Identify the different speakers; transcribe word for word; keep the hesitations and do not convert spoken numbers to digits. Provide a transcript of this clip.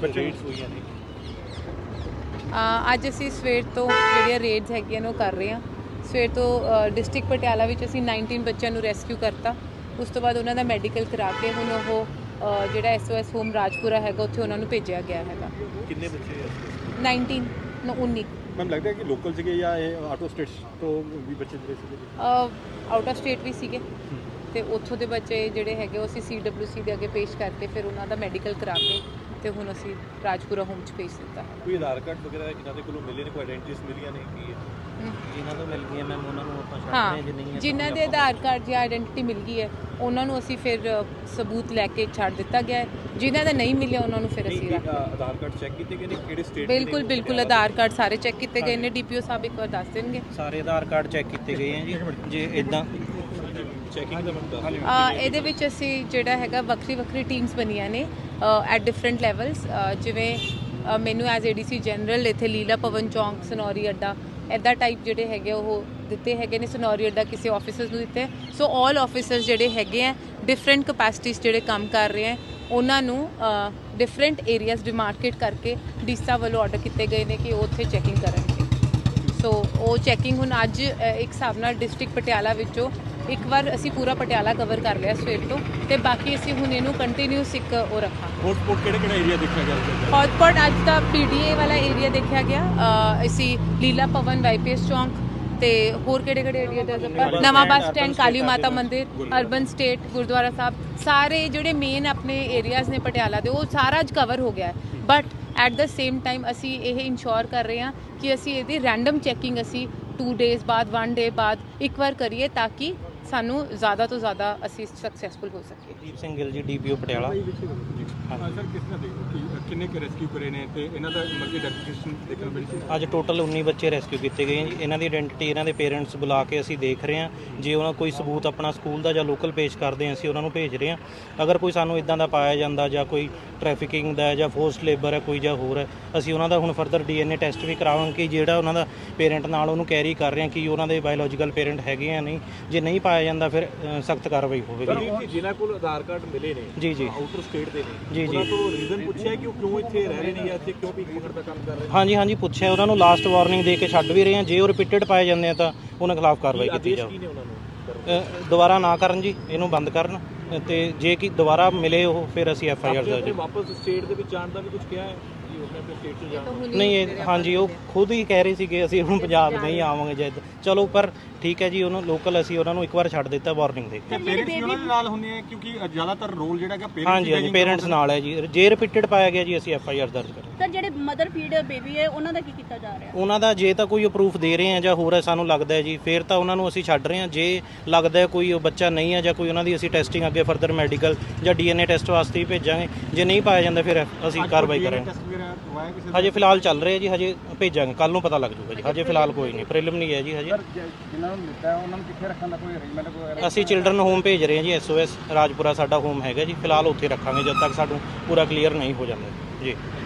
Speaker 1: Raids ਹੋਈਆਂ ਨੇ?
Speaker 2: ਅੱਜ ਅਸੀਂ ਸਵੇਰ ਤੋਂ ਜਿਹੜੀਆਂ ਰੇਡਸ ਹੈਗੀਆਂ ਨੇ ਉਹ ਕਰ ਰਹੇ ਹਾਂ। ਸਵੇਰ ਤੋਂ ਡਿਸਟ੍ਰਿਕਟ ਪਟਿਆਲਾ ਵਿੱਚ ਅਸੀਂ ਉਨੱਤੀ ਬੱਚਿਆਂ ਨੂੰ ਰੈਸਕਿਊ ਕਰਤਾ। ਉਸ ਤੋਂ ਬਾਅਦ ਉਹਨਾਂ ਦਾ ਮੈਡੀਕਲ ਕਰਾ ਕੇ ਹੁਣ ਉਹ ਜਿਹੜਾ S O S home Rajpura ਹੈਗਾ ਉੱਥੇ ਉਹਨਾਂ ਨੂੰ ਭੇਜਿਆ ਗਿਆ ਹੈਗਾ।
Speaker 1: ਕਿੰਨੇ ਬੱਚੇ?
Speaker 2: ਉਨੱਤੀ ਉੱਨੀ।
Speaker 1: ਮੈਮ ਲੱਗਦਾ ਹੈ ਕਿ ਲੋਕਲ ਸੀਗੇ ਜਾਂ ਇਹ ਆਊਟ ਆਫ ਸਟੇਟਸ ਤੋਂ ਵੀ ਬੱਚੇ ਜਿਹੜੇ ਸੀਗੇ?
Speaker 2: ਆਊਟ ਆਫ ਸਟੇਟ ਵੀ ਸੀਗੇ ਤੇ ਉੱਥੋਂ ਦੇ ਬੱਚੇ ਜਿਹੜੇ ਹੈਗੇ ਉਹ ਅਸੀਂ ਸੀ ਡਬਲਿਊ ਸੀ ਦੇ ਅੱਗੇ ਪੇਸ਼ ਕਰਕੇ ਫਿਰ ਉਹਨਾਂ ਦਾ ਮੈਡੀਕਲ ਕਰਾ ਕੇ ਤੇ ਹੁਣ ਅਸੀਂ ਰਾਜਪੁਰਾ ਹੋਮ 'ਚ ਭੇਜ ਦਿੱਤਾ।
Speaker 1: ਕੋਈ ਆਧਾਰ ਕਾਰਡ ਵਗੈਰਾ ਜਿਨ੍ਹਾਂ ਦੇ ਕੋਲੋਂ ਮਿਲੇ ਨੇ, ਕੋਈ ਆਇਡੈਂਟੀਟੀਜ਼ ਮਿਲੀਆਂ ਨੇ ਕੀ ਹੈ?
Speaker 3: ਜਿਨ੍ਹਾਂ ਤੋਂ ਮਿਲ ਗਈਆਂ ਮੈਮ ਉਹਨਾਂ ਨੂੰ ਆਪਾਂ ਛੱਡ
Speaker 2: ਹਾਂ,
Speaker 3: ਰਹੇ ਜਿੰਨੀ
Speaker 2: ਜਿਨ੍ਹਾਂ ਦੇ ਆਧਾਰ ਕਾਰਡ ਜਾਂ ਆਇਡੈਂਟੀਟੀ ਮਿਲ ਗਈ ਹੈ ਉਹਨਾਂ ਨੂੰ ਅਸੀਂ ਫਿਰ ਸਬੂਤ ਲੈ ਕੇ ਛੱਡ ਦਿੱਤਾ ਗਿਆ ਹੈ। ਜਿਨ੍ਹਾਂ ਦਾ ਨਹੀਂ ਮਿਲਿਆ ਉਹਨਾਂ ਨੂੰ ਫਿਰ ਅਸੀਂ ਰੱਖ
Speaker 1: ਆਧਾਰ ਕਾਰਡ ਚੈੱਕ ਕੀਤੇ ਗਏ ਨੇ ਕਿਹੜੇ ਸਟੇਟ?
Speaker 2: ਬਿਲਕੁਲ ਬਿਲਕੁਲ ਆਧਾਰ ਕਾਰਡ ਸਾਰੇ ਚੈੱਕ ਕੀਤੇ ਗਏ ਨੇ। ਡੀਪੀਓ ਸਾਹਿਬ ਇੱਕ ਵਾਰ ਦੱਸ ਦੇਣਗੇ।
Speaker 3: ਸਾਰੇ ਆਧਾਰ ਕਾਰਡ ਚੈੱਕ ਕੀਤੇ ਗਏ ਆ ਜੀ। ਜੇ ਇਦਾਂ
Speaker 1: ਚੈਕਿੰਗ ਦਾ ਮਤਲਬ
Speaker 2: ਇਹਦੇ ਵਿੱਚ ਅਸੀਂ ਜਿਹੜਾ ਹੈਗਾ ਵੱਖਰੀ ਵੱਖਰੀ ਟੀਮਸ ਬਣੀਆਂ ਨੇ ਐਟ ਡਿਫਰੈਂਟ ਲੈਵਲਸ। ਜਿਵੇਂ ਮੈਨੂੰ as A D C general ਇੱਥੇ ਲੀਲਾ ਭਵਨ ਚੌਂਕ, ਸਨੌਰੀ ਅੱਡਾ ਇੱਦਾਂ ਟਾਈਪ ਜਿਹੜੇ ਹੈਗੇ ਉਹ ਦਿੱਤੇ ਹੈਗੇ ਨੇ। ਸਨੌਰੀ ਅੱਡਾ ਕਿਸੇ ਆਫਿਸਰਸ ਨੂੰ ਦਿੱਤੇ। ਸੋ ਆਲ ਆਫਿਸਰਸ ਜਿਹੜੇ ਹੈਗੇ ਆ ਡਿਫਰੈਂਟ ਕਪੈਸਿਟੀਜ਼ ਜਿਹੜੇ ਕੰਮ ਕਰ ਰਹੇ ਆ ਉਹਨਾਂ ਨੂੰ ਡਿਫਰੈਂਟ ਏਰੀਆਜ਼ ਡਿਮਾਰਕੇਟ ਕਰਕੇ ਡੀਸਾ ਵੱਲੋਂ ਆਰਡਰ ਕੀਤੇ ਗਏ ਨੇ ਕਿ ਉਹ ਉੱਥੇ ਚੈਕਿੰਗ ਕਰਨਗੇ। ਸੋ ਉਹ ਚੈਕਿੰਗ ਹੁਣ ਅੱਜ ਇੱਕ ਹਿਸਾਬ ਨਾਲ ਡਿਸਟ੍ਰਿਕਟ ਪਟਿਆਲਾ ਵਿੱਚੋਂ ਇੱਕ ਵਾਰ ਅਸੀਂ ਪੂਰਾ ਪਟਿਆਲਾ ਕਵਰ ਕਰ ਲਿਆ ਸਵੇਰ ਤੋਂ ਤੇ ਬਾਕੀ ਅਸੀਂ ਹੁਣ ਇਹਨੂੰ ਕੰਟੀਨਿਊਸ ਇੱਕ ਉਹ ਰੱਖਾਂਗੇ।
Speaker 1: ਹੌਟਸਪੌਟ ਕਿਹੜੇ ਕਿਹੜੇ ਏਰੀਆ ਦੇਖਿਆ ਗਿਆ?
Speaker 2: ਹੌਟਸਪੌਟ ਅੱਜ ਦਾ ਪੀ ਡੀ ਏ ਵਾਲਾ ਏਰੀਆ ਦੇਖਿਆ ਗਿਆ। ਅਸੀਂ ਲੀਲਾ ਭਵਨ, ਵਾਈ ਪੀ ਐਸ ਚੌਂਕ ਤੇ ਹੋਰ ਕਿਹੜੇ ਕਿਹੜੇ ਏਰੀਆ ਦੇ ਨਵਾਂ ਬੱਸ ਸਟੈਂਡ, ਕਾਲੀ ਮਾਤਾ ਮੰਦਿਰ, ਅਰਬਨ ਸਟੇਟ, ਗੁਰਦੁਆਰਾ ਸਾਹਿਬ, ਸਾਰੇ ਜਿਹੜੇ ਮੇਨ ਆਪਣੇ ਏਰੀਆਜ਼ ਨੇ ਪਟਿਆਲਾ ਦੇ ਉਹ ਸਾਰਾ ਅੱਜ ਕਵਰ ਹੋ ਗਿਆ ਹੈ। But at the same time ਅਸੀਂ ਇਹ ਇੰਸ਼ੋਰ ਕਰ ਰਹੇ ਹਾਂ ਕਿ ਅਸੀਂ ਇਹਦੀ ਰੈਂਡਮ ਚੈਕਿੰਗ ਅਸੀਂ ਟੂ ਡੇਜ਼ ਬਾਅਦ, ਵਨ ਡੇ ਬਾਅਦ ਇੱਕ ਵਾਰ ਕਰੀਏ ਤਾਂ ਕਿ ਸਾਨੂੰ ਜ਼ਿਆਦਾ ਤੋਂ ਜ਼ਿਆਦਾ ਅਸੀਂ ਸਕਸੈਸਫੁਲ ਹੋ ਸਕੀਏ।
Speaker 3: ਦੀਪ Singh Gill ji, D P O Patiala.
Speaker 1: Sir ਕਿਸ ਤਰ੍ਹਾਂ ਦੇਖੋ ਕਿ ਕਿੰਨੇ ਕੁ ਰੈਸਕਿਊ ਕਰੇ ਨੇ ਤੇ ਇਹਨਾਂ ਦਾ ਮਲਟੀ ਡੈਕਲੇਰੇਸ਼ਨ ਦੇਖਣ ਨੂੰ ਮਿਲੀ ਸੀ?
Speaker 3: ਅੱਜ ਟੋਟਲ ਉੱਨੀ ਬੱਚੇ ਰੈਸਕਿਊ ਕੀਤੇ ਗਏ ਜੀ। ਇਹਨਾਂ ਦੀ ਆਇਡੈਂਟੀਟੀ ਇਹਨਾਂ ਦੇ ਪੇਰੈਂਟਸ ਬੁਲਾ ਕੇ ਅਸੀਂ ਦੇਖ ਰਹੇ ਹਾਂ। ਜੇ ਉਹਨਾਂ ਕੋਈ ਸਬੂਤ ਆਪਣਾ ਸਕੂਲ ਦਾ ਜਾਂ ਲੋਕਲ ਪੇਸ਼ ਕਰਦੇ ਹਾਂ ਅਸੀਂ ਉਹਨਾਂ ਨੂੰ ਭੇਜ ਰਹੇ ਹਾਂ। ਅਗਰ ਕੋਈ ਸਾਨੂੰ ਇਦਾਂ ਦਾ ਪਾਇਆ ਜਾਂਦਾ ਜਾਂ ਕੋਈ ਟ੍ਰੈਫਿਕਿੰਗ ਦਾ ਜਾਂ ਫੋਰਸਡ ਲੇਬਰ ਹੈ ਕੋਈ ਜਾਂ ਹੋਰ ਹੈ, ਅਸੀਂ ਉਹਨਾਂ ਦਾ ਹੁਣ further D N A test ਵੀ ਕਰਾਵਾਂਗੇ ਕਿ ਜਿਹੜਾ ਉਹਨਾਂ ਦਾ ਪੇਰੈਂਟ ਨਾਲ ਉਹਨੂੰ ਕੈਰੀ ਕਰ ਰਹੇ ਹਾਂ ਕਿ ਉਹਨਾਂ ਦੇ ਬਾਇਓਲੋਜੀਕਲ ਪੇਰੈਂਟ ਹੈਗੇ ਆ ਨਹੀਂ। ਜੇ ਨਹੀਂ ਪਾਇਆ ਜਾਂਦਾ ਫਿਰ ਸਖਤ ਕਾਰਵਾਈ ਹੋਵੇਗੀ।
Speaker 1: ਜਿਨ੍ਹਾਂ ਕੋਲ ਆਧਾਰ ਕਾਰਡ ਮਿਲੇ ਨੇ
Speaker 3: ਜੀ ਜੀ
Speaker 1: ਆਊਟਰ ਸਟੇਟ ਦੇ ਨੇ,
Speaker 3: ਜੀ ਜੀ
Speaker 1: ਉਹਨਾਂ ਤੋਂ ਰੀਜ਼ਨ ਪੁੱਛਿਆ ਕਿ ਉਹ ਕਿਉਂ ਇੱਥੇ ਰਹਿ ਰਹੇ ਨੇ ਜਾਂ ਇੱਥੇ ਕਿਉਂ ਭੀਖ ਮੰਗਣ ਦਾ ਕੰਮ ਕਰ ਰਹੇ ਨੇ?
Speaker 3: ਹਾਂਜੀ ਹਾਂਜੀ ਪੁੱਛਿਆ। ਉਹਨਾਂ ਨੂੰ ਲਾਸਟ ਵਾਰਨਿੰਗ ਦੇ ਕੇ ਛੱਡ ਵੀ ਰਹੇ ਹਾਂ। ਜੇ ਉਹ ਰਿਪੀਟਡ ਪਾਏ ਜਾਂਦੇ ਆ ਤਾਂ ਉਹਨਾਂ ਖਿਲਾਫ ਕਾਰਵਾਈ ਕੀਤੀ ਜਾਵੇ। ਦੁਬਾਰਾ ਨਾ ਕਰਨ ਜੀ, ਇਹਨੂੰ ਬੰਦ ਕਰਨ ਤੇ ਜੇ ਕਿ ਦੁਬਾਰਾ ਮਿਲੇ ਉਹ ਫਿਰ ਅਸੀਂ ਐਫ ਆਈ ਆਰ ਦਰਜ।
Speaker 1: ਵਾਪਸ ਸਟੇਟ ਦੇ ਵਿੱਚ ਜਾਣ ਦਾ ਵੀ ਕੁਝ ਕਿਹਾ ਹੈ?
Speaker 3: ਨਹੀਂ ਇਹ ਹਾਂਜੀ ਉਹ ਖੁਦ ਹੀ ਕਹਿ ਰਹੇ ਸੀਗੇ ਅਸੀਂ ਹੁਣ ਪੰਜਾਬ ਨਹੀਂ ਆਵਾਂਗੇ ਜਦ। ਚਲੋ ਪਰ ਠੀਕ ਹੈ ਜੀ, ਉਹਨੂੰ ਲੋਕਲ ਅਸੀਂ ਉਹਨਾਂ ਨੂੰ ਇੱਕ ਵਾਰ ਛੱਡ ਦਿੱਤਾ ਵਾਰਨਿੰਗ ਦੇ ਕੇ।
Speaker 1: ਪੇਰੈਂਟਸ ਉਹਨਾਂ ਦੇ ਨਾਲ ਹੁੰਦੇ ਆ ਕਿਉਂਕਿ ਜ਼ਿਆਦਾਤਰ ਰੋਲ ਜਿਹੜਾ ਹੈਗਾ ਪੇਰੈਂਟਸ।
Speaker 3: ਹਾਂਜੀ ਹਾਂਜੀ ਪੇਰੈਂਟਸ ਨਾਲ ਹੈ ਜੀ। ਜੇ ਰਿਪੀਟਡ ਪਾਇਆ ਗਿਆ ਜੀ ਅਸੀਂ ਐਫ ਆਈ ਆਰ ਦਰਜ ਕਰਾਂਗੇ।
Speaker 4: ਸਰ ਜਿਹੜੇ ਮਦਰ ਫੀਡ ਬੇਬੀ ਹੈ ਉਹਨਾਂ ਦਾ ਕੀ ਕੀਤਾ ਜਾ ਰਿਹਾ?
Speaker 3: ਉਹਨਾਂ ਦਾ ਜੇ ਤਾਂ ਕੋਈ ਪ੍ਰੂਫ ਦੇ ਰਹੇ ਆ ਜਾਂ ਹੋਰ ਹੈ ਸਾਨੂੰ ਲੱਗਦਾ ਹੈ ਜੀ ਫਿਰ ਤਾਂ ਉਹਨਾਂ ਨੂੰ ਅਸੀਂ ਛੱਡ ਰਹੇ ਹਾਂ। ਜੇ ਲੱਗਦਾ ਹੈ ਕੋਈ ਬੱਚਾ ਨਹੀਂ ਹੈ ਜਾਂ ਕੋਈ ਉਹਨਾਂ ਦੀ ਅਸੀਂ ਟੈਸਟਿੰਗ ਅੱਗੇ ਫਰਦਰ ਮੈਡੀਕਲ ਜਾਂ ਡੀ ਐਨ ਏ ਟੈਸਟ ਵਾਸਤੇ ਹੀ ਭੇਜਾਂਗੇ। ਜੇ ਨਹੀਂ ਪਾਇਆ ਜਾਂਦਾ ਫਿਰ ਅਸੀਂ ਕਾਰਵਾਈ ਕਰਾਂਗੇ। ਹਜੇ ਫਿਲਹਾਲ ਚੱਲ ਰਿਹਾ ਜੀ, ਹਜੇ ਭੇਜਾਂਗੇ, ਕੱਲ ਨੂੰ ਪਤਾ ਲੱਗ ਜੂਗਾ ਜੀ। ਹਜੇ ਫਿਲਹਾਲ ਕੋਈ ਨਹੀਂ, ਪ੍ਰੀਲਿਮਿਨਰੀ ਹੈ ਜੀ ਹਜੇ।
Speaker 1: ਜਿਨ੍ਹਾਂ ਨੂੰ ਦਿੱਤਾ ਉਹਨਾਂ ਨੂੰ ਕਿੱਥੇ ਰੱਖਣ ਦਾ ਕੋਈ ਅਰੇਂਜਮੈਂਟ ਵਗੈਰਾ?
Speaker 3: ਅਸੀਂ ਚਿਲਡਰਨ ਹੋਮ ਭੇਜ ਰਹੇ ਹਾਂ ਜੀ। ਐਸ ਓ ਐਸ ਰਾਜਪੁਰਾ ਸਾਡਾ ਹੋਮ ਹੈਗਾ ਜੀ। ਫਿਲਹਾਲ ਉੱਥੇ ਰੱਖਾਂਗੇ ਜਦ ਤੱਕ ਸਾਨੂੰ ਪੂਰਾ ਕਲੀਅਰ ਨਹੀਂ ਹੋ ਜਾਂਦਾ ਜੀ।